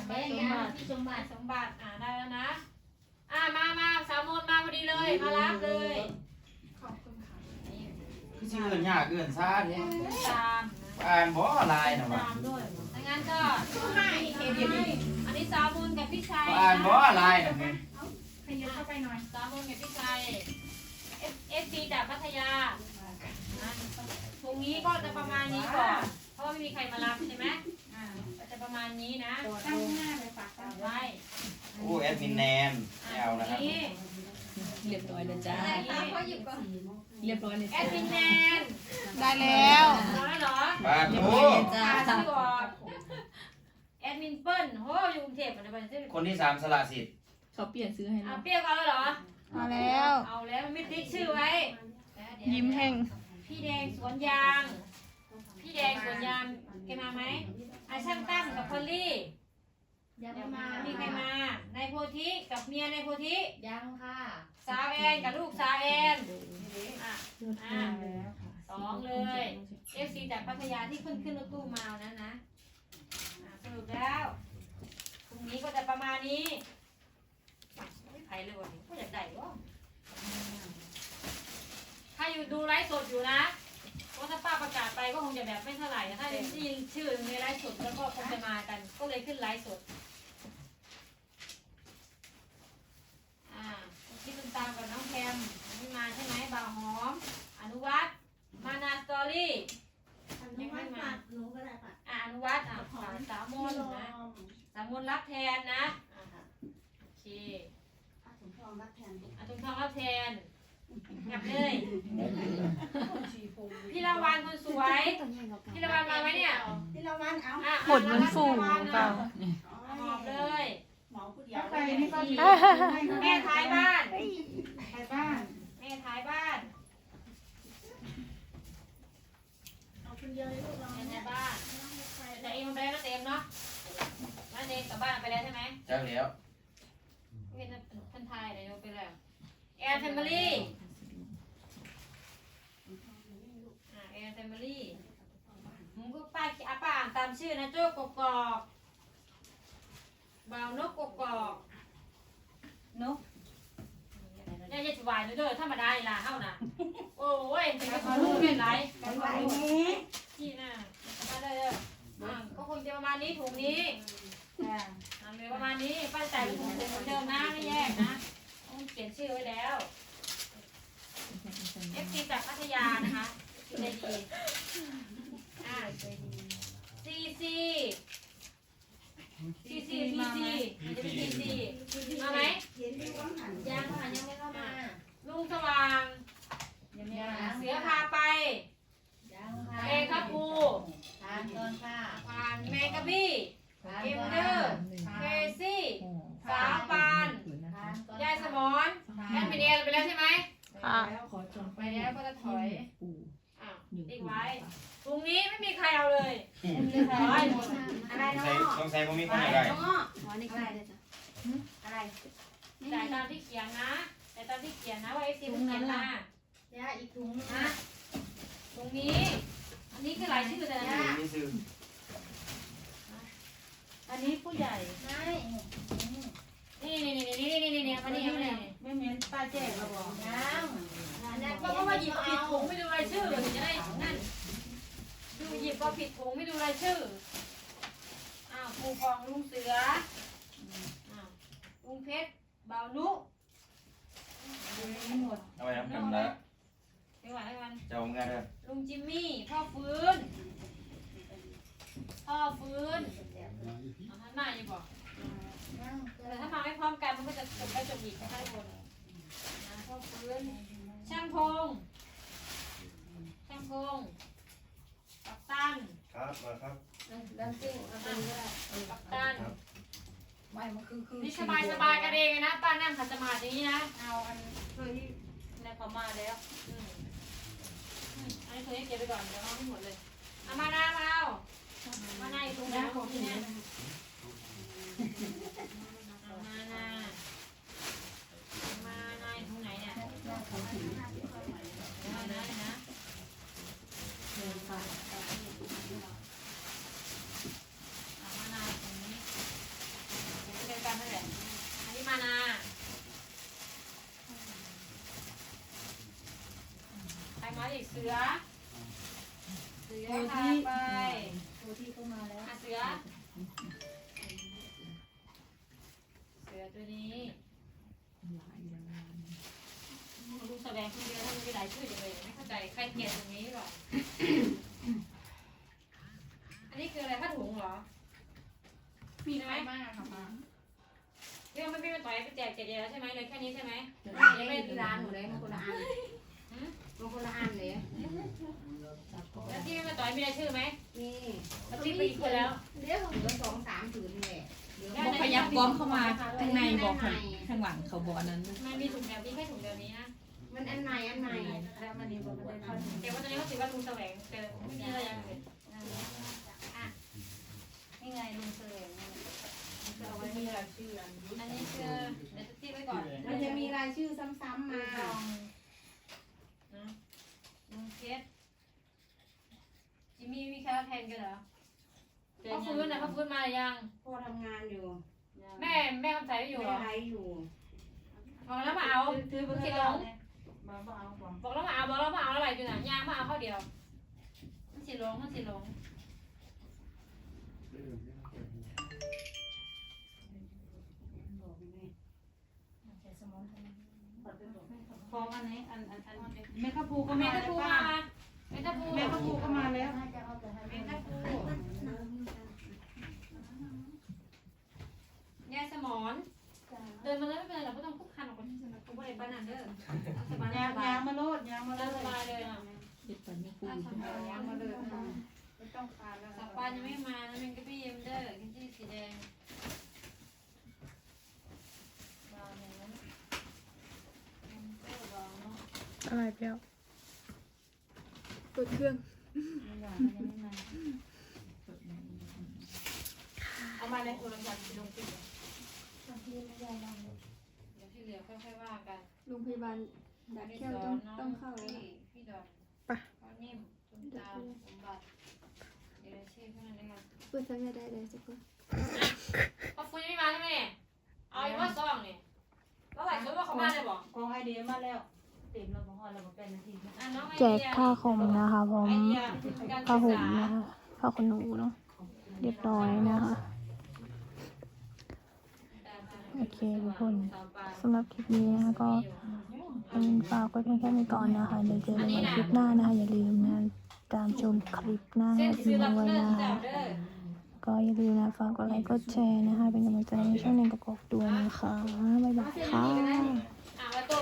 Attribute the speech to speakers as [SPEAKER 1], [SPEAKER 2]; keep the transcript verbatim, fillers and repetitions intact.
[SPEAKER 1] แม่งานที่สมบัติสมบัติอ่าได้แล้วนะอ่ามามาสาวมนมาพอดีเลยมารับเลยขอบคุณค่ะ
[SPEAKER 2] คือชื่อเกินยากเกินซ่าเนี่ย
[SPEAKER 1] ตาม
[SPEAKER 2] อ่านบ่ลายนะวะ
[SPEAKER 1] ตามด้วยถ้างั้นก็ให้เห็นไหมอันนี้สาวมนกับพี่ชัย
[SPEAKER 2] อ่านบ่ลายนะเนี่ย
[SPEAKER 1] ขยับเข้าไปหน่อยสาวมนกับพี่ชัยเอฟเอฟซีจากพัทยาถุงนี้ก็จะประมาณนี้ก่อนเพราะว่าไม่มีใครมารับใช่ไหมอ่าก็จะประมาณนี้นะตั้งหน้าเลยฝากตั้งไว้
[SPEAKER 2] โอ้แอดมินแนนแอลนะครับ
[SPEAKER 3] เรียบร้อยแล้วจ้า
[SPEAKER 1] เขาหยิบก่อน
[SPEAKER 3] เรียบร้อยเลย
[SPEAKER 1] แอ
[SPEAKER 3] จ้า
[SPEAKER 1] ดมินแนน
[SPEAKER 4] ได้แล้ว
[SPEAKER 1] ร้อยเหรอ
[SPEAKER 2] บ้าน
[SPEAKER 3] เรียบ
[SPEAKER 2] โอ้
[SPEAKER 3] ร้อยเลยจ้า
[SPEAKER 1] อ่าชื่อก่อนแอดมินเปิ้ลโหอยู่กรุงเทพฯอะไรบ้างชื่อ
[SPEAKER 2] คนที่สามสละสิทธิ์
[SPEAKER 3] เขาเปลี่ยนซื้อให้
[SPEAKER 1] อ่ะ
[SPEAKER 3] เรา
[SPEAKER 1] เปรี้ยวเอาแล้วเหรอ
[SPEAKER 4] มาแล้ว
[SPEAKER 1] เอาแล้วมันไม่ติ๊กชื่อไว้
[SPEAKER 4] ยิ้มแห้ง
[SPEAKER 1] พี่แดงสวนยาง พี่แดงสวนยางแกมาไหมไอาช่างตั้มกับพอลลี่
[SPEAKER 5] ยังไม่มา
[SPEAKER 1] มีใครมานายโพธิกับเมียนายโพธิ
[SPEAKER 5] ยังค่ะ
[SPEAKER 1] สาวแอนกับลูกสาวแอนอ่ะอ่ะสองเลยเอฟซีจากพัทยาที่เพิ่งขึ้นรถตู้มาเอานั้นนะอ่ะสรุปแล้วพรุ่งนี้ก็จะประมาณนี้ไม่ไผ่เลยวันนี้ก็อยากได้วะถ้าอยู่ดูไลฟ์สดอยู่นะเพราะถ้าป้าประกาศไปก็คงจะแบบไม่เท่าไหร่นะถ้าได้ยินชื่อในไลฟ์สดแล้วก็คงจะมากัน ก็เลยขึ้นไลฟ์สดอ่าที่เป็นตามกับน้องแคมนี่มาใช่ไหมบ่าวหอม อนุวัฒน์มานาสตอรี่ยังไม่มา
[SPEAKER 5] หนูก็ได้ค่ะ
[SPEAKER 1] อ่าอนุวัฒน์อ่ะสาวสาวมนต์นะสาวมนต์รับแทนนะอ่าโอเค
[SPEAKER 5] สมพรรับแทน
[SPEAKER 1] อาตุงทองรับแทนกลับเลยพี่ละวันคนสวยพี่ละวันมาไหมเนี่ย
[SPEAKER 5] ที่เราวันเอา
[SPEAKER 1] อ่ะ
[SPEAKER 4] หมดมันฟูเปล่า
[SPEAKER 1] หอบเลย
[SPEAKER 5] หมอผู้เดียว
[SPEAKER 1] แม่ท้ายบ้านท้ายบ้านแม่ท้ายบ้าน
[SPEAKER 5] เอาคนเดียวเลยลูกเรา
[SPEAKER 1] แม่ท้ายบ้านแต่เอ็มไปแล้วนะเต็มเนาะนั่นเองกลับบ้านไปแล้วใช่ไหม
[SPEAKER 2] จักแล้ว
[SPEAKER 1] เห็นคนไทยเดี๋ยวไปแล้วแอนแฟมิลี่อ่าแอนแฟมิลี่มึงก็ป้าอาป้าอ่านตามชื่อนะโจ้กกอกบ่าวนกกกอกนกเนี่ยจะวายเด้อธรรมดาล่ะเฮาน่ะโอ้ยเป็นกระลูกเป็นไรกันไหวที่น่ะมาเลยเด้อก็คงจะประมาณนี้ถุงนี้อ่าเลยประมาณนี้ป้าใส่เป็นถุงเหมือนเดิมนะไม่แยกนะต้องเขียนชื่อไว้แล้ว เอฟซีจากพัทยานะคะใจดีอ่าซีซีซีซีซีซีจะเป็นซีซีมาไหม
[SPEAKER 5] เห็นที่ว่าหัน
[SPEAKER 1] ยังค่ะยังไม่เข้ามาลุงสว่างเสือพาไป
[SPEAKER 5] ยังค่ะ
[SPEAKER 1] เอครับปู
[SPEAKER 5] ทานก่อนค่ะ
[SPEAKER 1] ผ่านแมงกะบี้เกมเดอร์เคซี่สาวปาน
[SPEAKER 5] ทานก่อน
[SPEAKER 1] ยายสมอนแอนเป็นเอไปแล้วใช่ไหม
[SPEAKER 4] ค่ะ
[SPEAKER 3] ขอจอง
[SPEAKER 1] ไปแล้วก็จะถอย
[SPEAKER 3] ปู่
[SPEAKER 1] อ้าวติ๊กไว้ตรงนี้ไม่มีใครเอาเลยถอยหมด
[SPEAKER 5] อะไร
[SPEAKER 2] ต้อง
[SPEAKER 5] เนาะ
[SPEAKER 2] ใส่ต้องใส่บ่มีคนอะไร
[SPEAKER 5] น้องอ๋อนี่อะไรเลยจ้ะอะไร
[SPEAKER 1] จ่ายตามที่เขียนนะจ่ายตามที่เขียนนะว่าเอฟซีมันเขียนมา
[SPEAKER 5] ยาอีกถุง
[SPEAKER 1] นะ ตรงนี้ อันนี้คือรายชื่อแต่ละ
[SPEAKER 2] นี่ซื้อ
[SPEAKER 1] อันนี้ผู้ใหญ่
[SPEAKER 5] ใช่
[SPEAKER 1] นี่นี่นี่นี่นี่นี่นี่มานี่มานี่
[SPEAKER 5] ไม่เหม็นป้าแจ้งเราบอกยังอันนั้น
[SPEAKER 1] เพราะว่าหยิบผิดถุงไม่ดูรายชื่อถึงจะได้นั่นดูหยิบก็ผิดถุงไม่ดูรายชื่ออ้าวปูฟองลุงเสืออ้าวลุงเพชรเบานุหมด
[SPEAKER 2] เอาไว้น้ำกันละ
[SPEAKER 1] ไปหวานให้มัน
[SPEAKER 2] เจ้าเงินเด้อ
[SPEAKER 1] ลุงจิมมี่พ่อฟื้นพ่อฟื้นเอาท่านมาอยู่บอกแต่ถ้ามาไม่พร้อมกันมันก็จะจบไปจบอีกนะคะทุกคนนะพ่อฟื้นช่างพงช่างพงกัปตัน
[SPEAKER 6] ครับมาครับ
[SPEAKER 1] ดันซิ่งกัปตันกัปตัน
[SPEAKER 5] ไม่มันคือคือ
[SPEAKER 1] นี่สบายสบายกันเองนะป้านั่งขัดสมาธิอย่างนี้นะเอาอันเคยที่ในเขามาแล้วอืมอันนี้เคยให้เก็บไปก่อนเดี๋ยวเอาให้หมดเลยเอามานามาเอามานาอยู่ตรงนั้นของที่เนี่ยเอามานามานาอยู่ตรงไหนเนี่ยมานาเลยนะเอามานาตรงนี้เสือเสือพาไป
[SPEAKER 5] โทรที่เข้ามาแล้ว
[SPEAKER 1] อ่ะเสือเสือตัวนี้ลุงแสดงคนเดียวทำไมมีหลายชื่อจังเลยไม่เข้าใจใครเกลียดตรงนี้หรออันนี้คืออะไรผ้าถุงเหรอ
[SPEAKER 5] มีน้อยมากค่ะป้า
[SPEAKER 1] ที่ว่าไม่พี่มาต่อยไปแจกแจกแล้วใช่ไหมเลยแค่นี้ใช่ไหม
[SPEAKER 5] ยังไม่ได้ที่ร้านหนูเลยมันคนละอันมันคนละอันเลย
[SPEAKER 1] แล้วที่มาต่อยมีรายชื่อไหม
[SPEAKER 5] นี่
[SPEAKER 1] แล้วที่ไปอีกคนแล้ว
[SPEAKER 5] เดี๋ยวเหลือสองสามผืนเลย
[SPEAKER 3] บอกพยักก้อมเข้ามาข้างในบอกข้างข้างหลังเขาบอกอันนั้น
[SPEAKER 1] มันมีถุงแบบนี้แค่ถุงแบบนี้นะ
[SPEAKER 5] มันอันใหม่อันใหม่แล้วมันนี่บอกว่าได้
[SPEAKER 1] เดี๋ยววันนี้เขาถือว่าลุงแสวงเจอไม่มีอะไรอย่างอื่น
[SPEAKER 5] นี่ไงลุงเสลงจะเอาไว้มีรายชื่ออันนี้
[SPEAKER 1] อันนี้คือเดี๋ยวจะตีไว้ก่อน
[SPEAKER 5] มันจะมีรายชื่อซ้ำๆมา
[SPEAKER 1] นะลุงเคสจิมมี่มีแค่แทนกันเหรอเขาฟื้นนะเขาฟื้นมาหรือยัง
[SPEAKER 5] พ่อทำงานอยู่
[SPEAKER 1] แม่แม่คำใสไม่อยู่เหร
[SPEAKER 5] แม่
[SPEAKER 1] อ
[SPEAKER 5] ไลฟ์อยู่
[SPEAKER 1] บอกแล้วมาเอา
[SPEAKER 5] ซื้อไป
[SPEAKER 1] สิ
[SPEAKER 5] ให้
[SPEAKER 1] หล
[SPEAKER 5] เรา
[SPEAKER 1] ง
[SPEAKER 5] มาเอาก่อน
[SPEAKER 1] บอกแล้วมาเอาบอกแล้วมาเอาอะไรอยู่น่ะยางมาเอาข้าวเดียวมันสิหลงมันสิหลง
[SPEAKER 5] ฟองอันนี้อันอันอันเมคาพูก็
[SPEAKER 1] เม
[SPEAKER 5] มา
[SPEAKER 1] ทัพูมาเมทัพู
[SPEAKER 5] เมคาพูก็มาแล้ว
[SPEAKER 1] เมทัพูยายสมอนเดินมาแล้วไม่เป็นไรหรอกไม่ต้องคุกคันหรอกกูไม่ได้ปานนันเด้อสบาย
[SPEAKER 5] ยาง
[SPEAKER 1] สบาย
[SPEAKER 5] ยางมาโลดยางมาโล
[SPEAKER 1] ส
[SPEAKER 5] ด
[SPEAKER 1] บายเลยอ่ะ
[SPEAKER 3] เด็ดปันไม่พูด
[SPEAKER 5] ยางมาเลยไม่ต้องคานแล้ว
[SPEAKER 1] สับปานยังไม่มานะมันก็พี่เอ็มเด้อกินที่สีแดงบางอย่างนั้นเออบางเนาะ
[SPEAKER 4] อะไรเปรี้ยวเปิดเครื่อง
[SPEAKER 1] เอามาในโทรศัพท์ลงปิดเดี๋ยวที่เหลือค่อยๆว่ากัน
[SPEAKER 6] โรงพยาบาลดักแก้วต้องต้องเข้าแล้วนะ
[SPEAKER 1] พี่ดอน
[SPEAKER 4] ไป
[SPEAKER 1] พ่อนิ่มคุณตาสมบัติเดี๋ยวชื่อเท่านั้นเอง
[SPEAKER 6] เปิดทำไงได้เลยสักคน
[SPEAKER 1] พ่อฟุ้ยไม่มาใช่ไหมเนี่ยเอาอีกว่าซองเนี่ยแล้วหลายคนว่าเขามาเลยบอก
[SPEAKER 5] กองไอเดียมาแล้วเต็มแล้วพอเราเป็นนาที
[SPEAKER 1] อ่ะน้องไอ
[SPEAKER 4] แจ
[SPEAKER 1] เดี
[SPEAKER 4] ก
[SPEAKER 1] ย
[SPEAKER 4] ผ้าคลุมนะคะพร้อม
[SPEAKER 1] ไอเดียการ
[SPEAKER 4] ผ้า
[SPEAKER 1] ศึก
[SPEAKER 4] ห่ม
[SPEAKER 1] ษา
[SPEAKER 4] นะคะผ้าขนหนูเนาะเรียบร้อยนะคะโอเคทุกคนสำหรับคลิปนี้นะคะก็เป็นฝากไว้เพียงแค่นี้ก่อนนะคะเดี๋ยวเจอกันใหม่คลิปหน้านะคะอย่าลืมนะตามชมคลิปหน้า
[SPEAKER 1] เส้น
[SPEAKER 4] ด้
[SPEAKER 1] ซื้อ
[SPEAKER 4] ว
[SPEAKER 1] รับ
[SPEAKER 4] ย
[SPEAKER 1] เลิ
[SPEAKER 4] นะ
[SPEAKER 1] กจั
[SPEAKER 4] คะ
[SPEAKER 1] บเด้อ
[SPEAKER 4] ก็อย่าลืมนะฝากกดไลค์กดแชร์นะคะเป็นกำลังใจในช่องหนึ่งกระกอกด้วยนะคะบ๊ายบายค่ะ